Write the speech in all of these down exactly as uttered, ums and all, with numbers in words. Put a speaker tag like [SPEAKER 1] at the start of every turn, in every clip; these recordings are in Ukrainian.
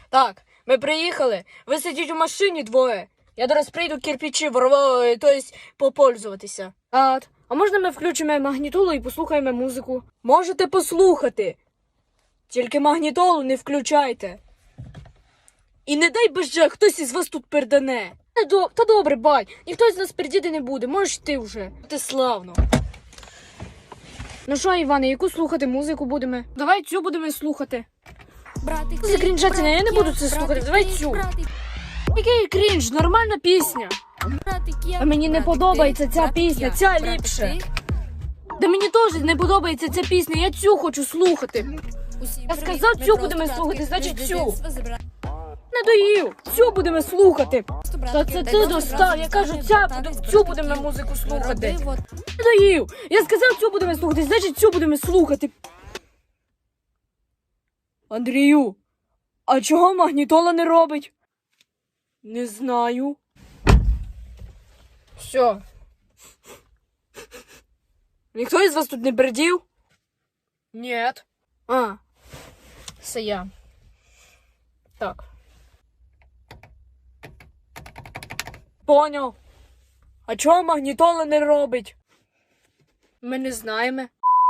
[SPEAKER 1] Так, ми приїхали. Ви сидіть у машині двоє. Я зараз прийду кирпичі ворвати, тобто попользуватися. А, а можна ми включимо магнітолу і послухаємо музику? Можете послухати. Тільки магнітолу не включайте. І не дай боже, хтось із вас тут пердане. Та, до... Та добре, бать, ніхто з нас пердіти не буде, можеш ти вже. Ти славно. Ну що, Іване, яку слухати музику будемо? Давай цю будемо слухати.
[SPEAKER 2] Братик,
[SPEAKER 1] За крінжатина, я не буду це слухати, давай цю. Який крінж, нормальна пісня. А мені не подобається ця пісня, ця ліпше. Да мені теж не подобається ця пісня, я цю хочу слухати. Я сказав, цю будемо слухати, значить цю. Не доїв, цю будемо слухати. Та це ти достав, я кажу, ця, цю будемо музику слухати. Не доїв, я сказав, цю будемо слухати, значить цю будемо слухати. Андрію, а чого магнітола не робить? Не знаю. Все. Ніхто із вас тут не бердів? Нет. А, це я. Так. Поняв. А чого магнітола не робить? Ми не знаємо.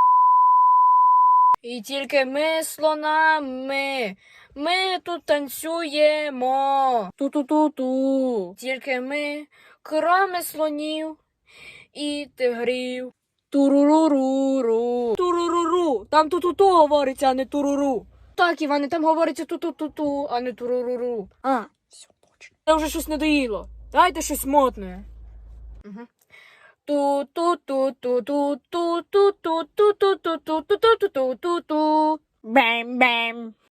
[SPEAKER 1] І тільки ми слонами. Ми тут танцюємо. Ту-ту-ту-ту. Тільки ми, кроме слонів і тигрів. Туруруруру. Туруруру. Там ту-ту-ту говориться, а не туруру. Так, Іване, там говориться ту-ту-ту-ту, а не туруруру. А, все, точно. Це вже щось надоїло. Дайте щось модне. Угу. Ту-ту-ту-ту-ту-ту-ту-ту-ту-ту-ту-ту-ту-ту-ту-ту. Бем-бем.